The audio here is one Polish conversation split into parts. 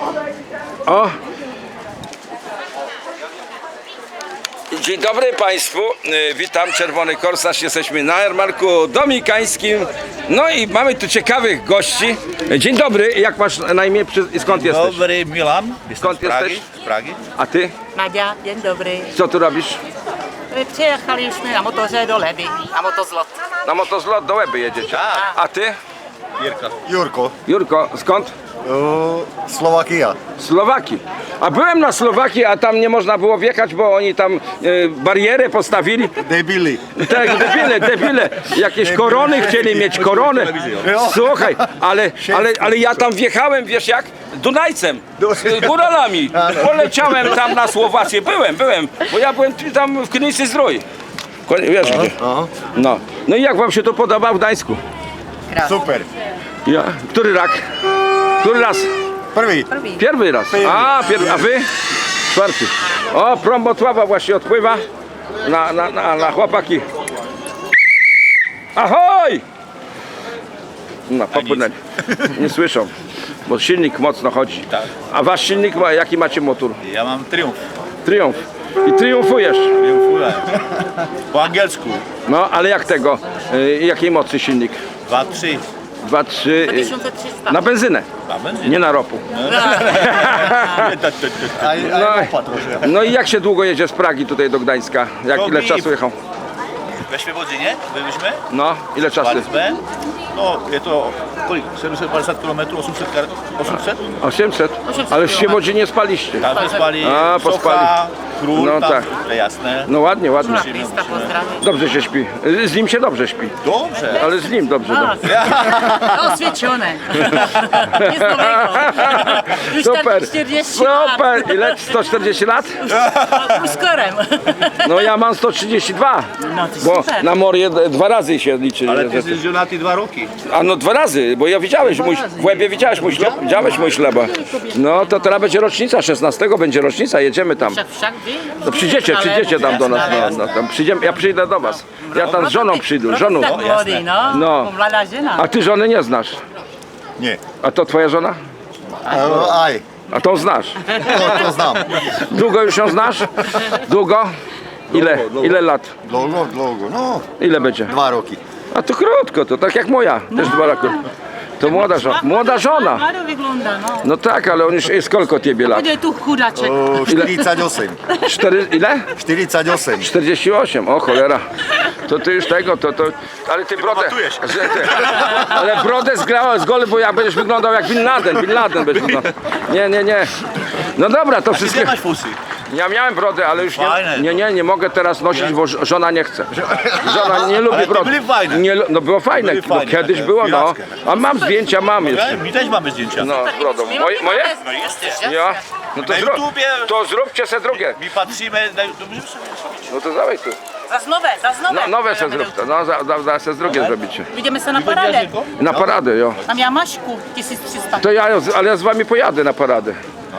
O! Dzień dobry Państwu, witam, Czerwony Korsarz, jesteśmy na jarmarku dominikańskim. No i mamy tu ciekawych gości. Dzień dobry, jak masz na imię i skąd jesteś? Dobry, Milan. Skąd jesteś? Z Pragi. A ty? Nadia, dzień dobry. Co tu robisz? Przyjechaliśmy na motorze do Leby, na motozlot. Na motozlot do Łeby jedziecie. Tak. A ty? Jirka. Jurko, Jurko, skąd? Slovakia. Słowakii. A byłem na Słowakii, a tam nie można było wjechać, bo oni tam barierę postawili. Debili. Tak, debile. Jakieś korony chcieli mieć, koronę. Słuchaj, ale ja tam wjechałem, wiesz jak? Dunajcem, z góralami. Poleciałem tam na Słowację. Byłem, bo ja byłem tam w Krynicy Zdrój. Wiesz gdzie? No i jak wam się to podoba w Gdańsku? Super. Ja? Który rak? Który raz? Prvi. Pierwszy raz. A wy? Czwarty. O, prom Wrocławia właśnie odpływa na chłopaki. Ahoj! No, popłynęli. Nie słyszą, bo silnik mocno chodzi. Tak. A wasz silnik, jaki macie motor? Ja mam Triumf. Triumf. I triumfujesz. Triumfuję. Po angielsku. No, ale jak tego? Jakiej mocy silnik? 2-3. 2-3. 1300. Na benzynę, A będzie? nie na ropu. No i jak się długo jedzie z Pragi tutaj do Gdańska? Ile czasu jechał? We Świebodzinie byliśmy. No, ile czasu? Walizbę. No, jest to 750 km, 800? 800? Ale w Świebodzinie spaliście. Tam wyspali A, pospali. Socha, Król, No tam tak. jasne. No ładnie. Lista, pozdrawiam. Dobrze się śpi. Z nim się dobrze śpi. Dobrze. Ale z nim dobrze. Oswieczone. Nic nowego. Już Super. 40 lat. Super. Ile? 140 lat? Uskorem. No ja mam 132. No to Bo super. na Morię 2 razy się liczy. Ale że ty jesteś żonaty 2 roki. A no 2 razy, bo ja widziałeś, w Łebie widziałeś mój ślub? Widziałeś mój ślub? No to teraz będzie rocznica, 16 będzie rocznica, jedziemy tam. Wszak wy? No przyjdziecie tam do nas, no tam przyjdziemy, ja przyjdę do was. Ja tam z żoną przyjdę, żoną. Tak młody, no. No. Młoda żena. A ty żony nie znasz? Nie. A to twoja żona? Aj, A tą znasz? to znam. Długo już ją znasz? Długo? Ile lat? Dlouho, no, Ile będzie? 2 roki. A to krótko, to tak jak moja, też 2 lata. To młoda żona. Młado wygląda, no. No tak, ale on już jest kolko ciebie lat? Będzie tu chudaczek. 48. 4, ile? 48. 48, o cholera. To ty już tego, ale ty brodę, ale brodę z gole, bo jak będziesz wyglądał jak Bin Laden będziesz wyglądał. Nie. No dobra, to Gdzie wszystkie. masz fusy? Ja miałem brodę, ale już Fajne. nie mogę teraz nosić, bo żona nie chce. Żona nie lubi Ale te brody. były fajne. Nie, no było fajne, Były bo fajne, kiedyś takie było, no. pirackie. A mam zdjęcia, mam jeszcze. Mi też mamy zdjęcia. No, z brodą. Moje? No jesteś. Ja? No to, Na YouTubie. to zróbcie se drugie. Mi patrzymy, możemy sobie zrobić. No to dawaj tu. Za nowe. No, nowe se zróbcie, no se z drugie zrobicie. Idziemy sobie na paradę. Na paradę, jo. Na Miamaśku 1300. To ale ja z wami pojadę na paradę.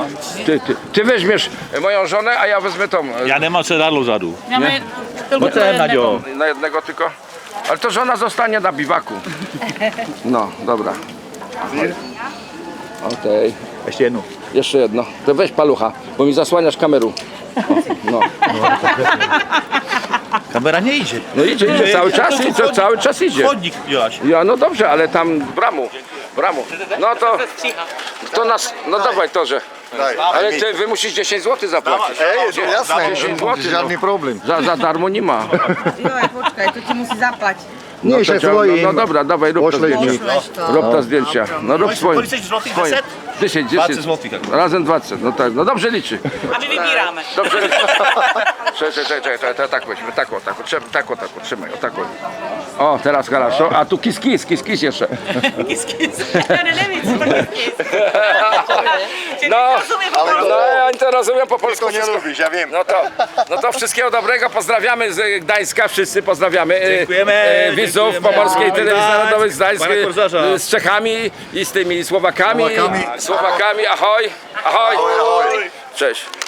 Ty weźmiesz moją żonę, a ja wezmę tą. Ja nie mam sedadło zadu. Mamy tylko No co, Nadio? Na jednego tylko. Ale to żona zostanie na biwaku. No, dobra. Okej. Jeszcze jedno. Jeszcze jedno. To weź palucha, bo mi zasłaniasz kamerą. No. Kamera nie idzie. No idzie cały czas idzie. Chodnik, Joaś. Ja, no dobrze, ale tam bramu. No to nas, no dawaj torze. Ale wy musisz 10 zł zapłacić. Ej, jasne, 10 zł. żadny problem. Za darmo nie ma. Joj, poczekaj, to ci musi zapłacić. Nie, się swoim. No dobra, dawaj, rób te Poślej mi. zdjęcia. Rób te zdjęcia. No rób swoim. 10 złotych, Swoim. 10. 20 złotych. Razem 20. No tak, no dobrze liczy. A my wybieramy. Dobrze liczy. Czekaj, tak weźmy, tak, trzymaj, o tak. O, teraz хорошо. A tu kis jeszcze. No, ja nie to rozumiem po polsku. To nie lubisz, ja wiem. No to wszystkiego dobrego, pozdrawiamy z Gdańska, wszyscy pozdrawiamy Dziękujemy, widzów dziękujemy. Pomorskiej Ahoj, Telewizji Gdańsk, Narodowej z Gdańska, panie Korsarza. z Czechami i z tymi Słowakami, Słowakami. ahoj, ahoj, cześć.